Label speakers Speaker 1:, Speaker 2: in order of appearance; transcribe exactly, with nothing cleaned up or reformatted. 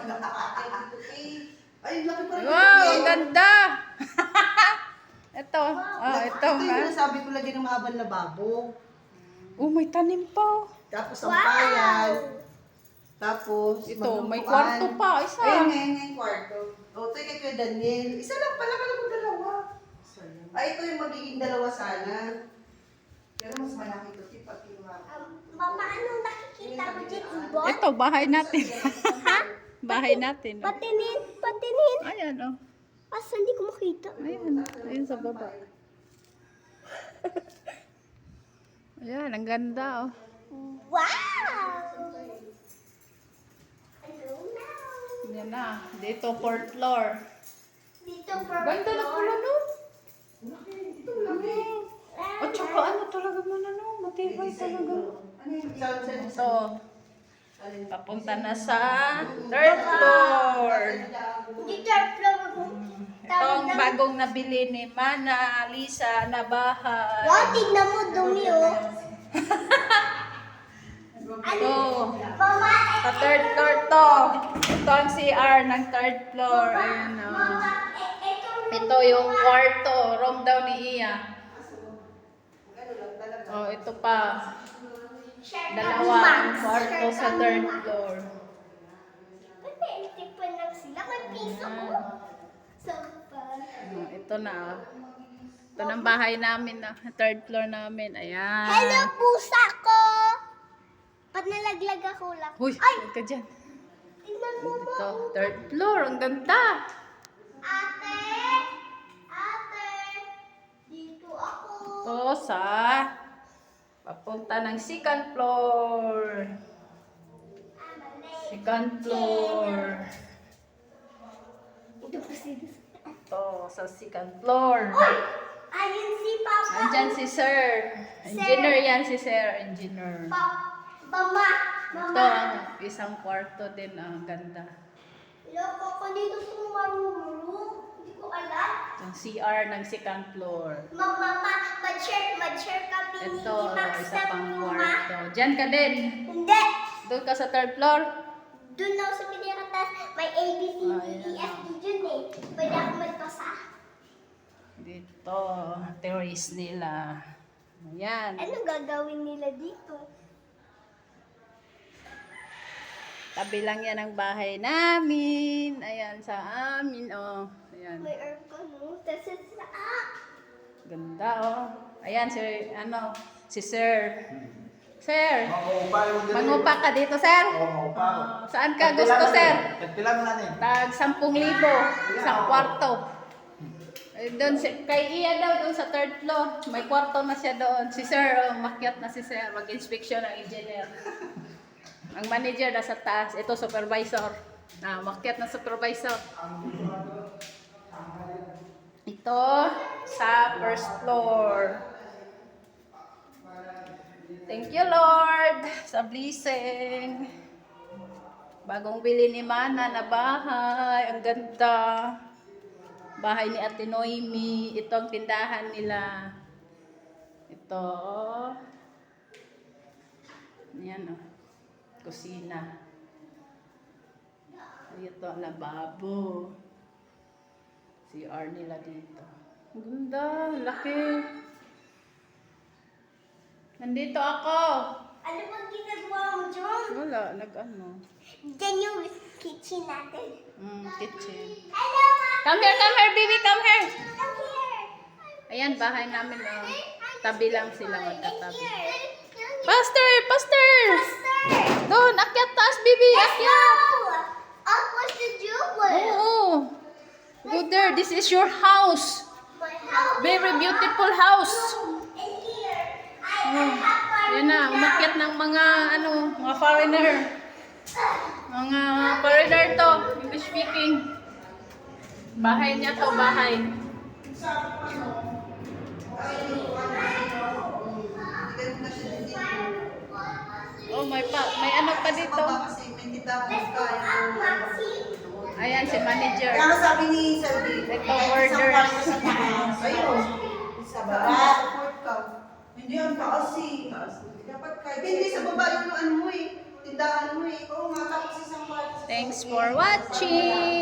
Speaker 1: Ay, dito kay. Ay, laki pa rin.
Speaker 2: Wow, ang ganda! Ito, oh, ito
Speaker 1: Ito
Speaker 2: nga.
Speaker 1: yung sinasabi ko lagi ng mahabang lababo.
Speaker 2: Oh, may tanim pa.
Speaker 1: Tapos ang payan. Tapos,
Speaker 2: Ito, may
Speaker 1: maglutuan.
Speaker 2: kwarto pa, isa.
Speaker 1: Ayun nga, yun nga yung kwarto. O, ito yung kay Daniel. Isa lang pala, kala ko dalawa. Ay, ito yung magiging dalawa sana. Pero mas malaki ito, tip at kinuha.
Speaker 3: Mama, anong nakikita mo dyan, ibon?
Speaker 2: Ito, bahay natin. Bahay natin. Oh.
Speaker 3: Patinin, patinin.
Speaker 2: Ayan, oh.
Speaker 3: Asa, hindi ko makita.
Speaker 2: Ayan, ayan sa baba. Ayan, ang ganda, oh.
Speaker 3: Wow! Hello now.
Speaker 2: Yan na. Dito, fourth floor.
Speaker 3: Dito, for
Speaker 2: Ganda na pala, no?
Speaker 1: Ito laki.
Speaker 2: At saka ano talaga man, ano? Matibay talaga.
Speaker 1: Ano yung sound sa
Speaker 2: Ito. Papunta na sa third floor.
Speaker 3: Dito, floor mo.
Speaker 2: Ito ang bagong nabili ni Mana, Lisa, na bahay.
Speaker 3: Wow, tignan mo, dumi, oh.
Speaker 2: Ito.
Speaker 3: Mama,
Speaker 2: Sa third floor to. Ito ang C R ng third floor. Ayan, oh.
Speaker 3: mama, eh, ito,
Speaker 2: Ito yung kwarto. Room daw ni Iya. Oh, ito pa.
Speaker 3: share
Speaker 2: Dalawa ang kwarto sa third floor.
Speaker 3: Pwede, tipan lang sila. May piso ko. Sampal.
Speaker 2: Oh, ito na. Oh. Ito ng bahay namin na third floor namin. Ayan.
Speaker 3: Hello, pusa ko! Pag nalaglag ako lang.
Speaker 2: Uy,
Speaker 3: Ay!
Speaker 2: huwag ka dyan.
Speaker 3: Tingnan mo,
Speaker 2: Ito,
Speaker 3: mo.
Speaker 2: third floor. Ang ganda.
Speaker 3: Ate! Ate! Dito ako.
Speaker 2: Ito sa papunta ng second floor. Second floor.
Speaker 3: Ito po sila.
Speaker 2: Ito sa second floor.
Speaker 3: Ayun si Papa.
Speaker 2: Andyan si Sir. Engineer yan si Sir. Engineer.
Speaker 3: Pa Mama.
Speaker 2: Ito
Speaker 3: Mama.
Speaker 2: ang isang kwarto din. ah, Ang ganda.
Speaker 3: Loko ko dito sa marunong. Hindi ko alam.
Speaker 2: Ang C R ng second floor.
Speaker 3: Ma- Mama, mag-share, mag-share kami ni
Speaker 2: Ito,
Speaker 3: Max
Speaker 2: isa
Speaker 3: sa
Speaker 2: pang
Speaker 3: Mama.
Speaker 2: kwarto. Diyan ka din.
Speaker 3: Hindi.
Speaker 2: Doon ka sa third floor.
Speaker 3: Doon ako sa pinakatas. May A, B, C,
Speaker 2: Ah,
Speaker 3: D, E,
Speaker 2: ayan.
Speaker 3: F, G dun eh. Pwede ako magpasa.
Speaker 2: Dito, terrace nila. Ayan.
Speaker 3: Ano gagawin nila dito?
Speaker 2: Tabi lang yan ang bahay namin. Ayan, sa amin, oh. Ayan.
Speaker 3: May aircon, no? Tapos sa ah!
Speaker 2: Ganda, oh. Ayan, si, ano, si Sir. Sir,
Speaker 4: Mangupa yung dito.
Speaker 2: mangupa ka dito, Sir?
Speaker 4: Oo, mangupa ako.
Speaker 2: Ah, saan ka gusto, Sir?
Speaker 4: Tagpilan mo na niya.
Speaker 2: Tag sampung libo, isang kwarto. Eh, doon si, kay Iya daw, doon sa third floor. May kwarto na siya doon. Si Sir, oh, makyat na si Sir. Mag-inspection ng engineer. Ang manager nasa taas. Ito, supervisor. Ah, makyat na supervisor. Ito, sa first floor. Thank you, Lord, sa blessing. Bagong bili ni Mana na bahay. Ang ganda. Bahay ni Ate Noemi. Ito ang tindahan nila. Ito. Ayan, oh. Kusina. Ito ang lababo. C R nila dito. Ang ganda. Laki. Nandito ako.
Speaker 3: Ano bang ginagawa mo, John?
Speaker 2: Wala. Nag-ano.
Speaker 3: Diyan yung kitchen natin.
Speaker 2: Mm, kitchen.
Speaker 3: Hello, Ma!
Speaker 2: Come here, come here, baby. Come here.
Speaker 3: Come here!
Speaker 2: Ayan, bahay namin. Oh. Tabi lang sila magkatabi.
Speaker 3: Here!
Speaker 2: Pastor! Pastor!
Speaker 3: Pastor!
Speaker 2: Doon, akyat taas, baby.
Speaker 3: Let's
Speaker 2: Akyat.
Speaker 3: go! Up was the jewel!
Speaker 2: Oo. Go there. This is your house.
Speaker 3: My house!
Speaker 2: Very beautiful house.
Speaker 3: And here, I
Speaker 2: Oh.
Speaker 3: have
Speaker 2: Yan na, umakyat ng mga, ano, mga foreigner. Mga foreigner to. English speaking. Bahay niya to, bahay. Oh, may pa, may ano pa dito.
Speaker 1: Kasi may tindahan ka.
Speaker 2: Ayan, si manager.
Speaker 1: Kaya nga sabi ni Salvi,
Speaker 2: Ito, orders.
Speaker 1: sa taas. Ayun. Sa baba. Support ka. Hindi, ang taas eh. Dapat kahit hindi sa baba yung ano mo eh. tindahan mo eh. Oo nga, tapos isang kwarto. sa
Speaker 2: Thanks
Speaker 1: sasakyan.
Speaker 2: for watching!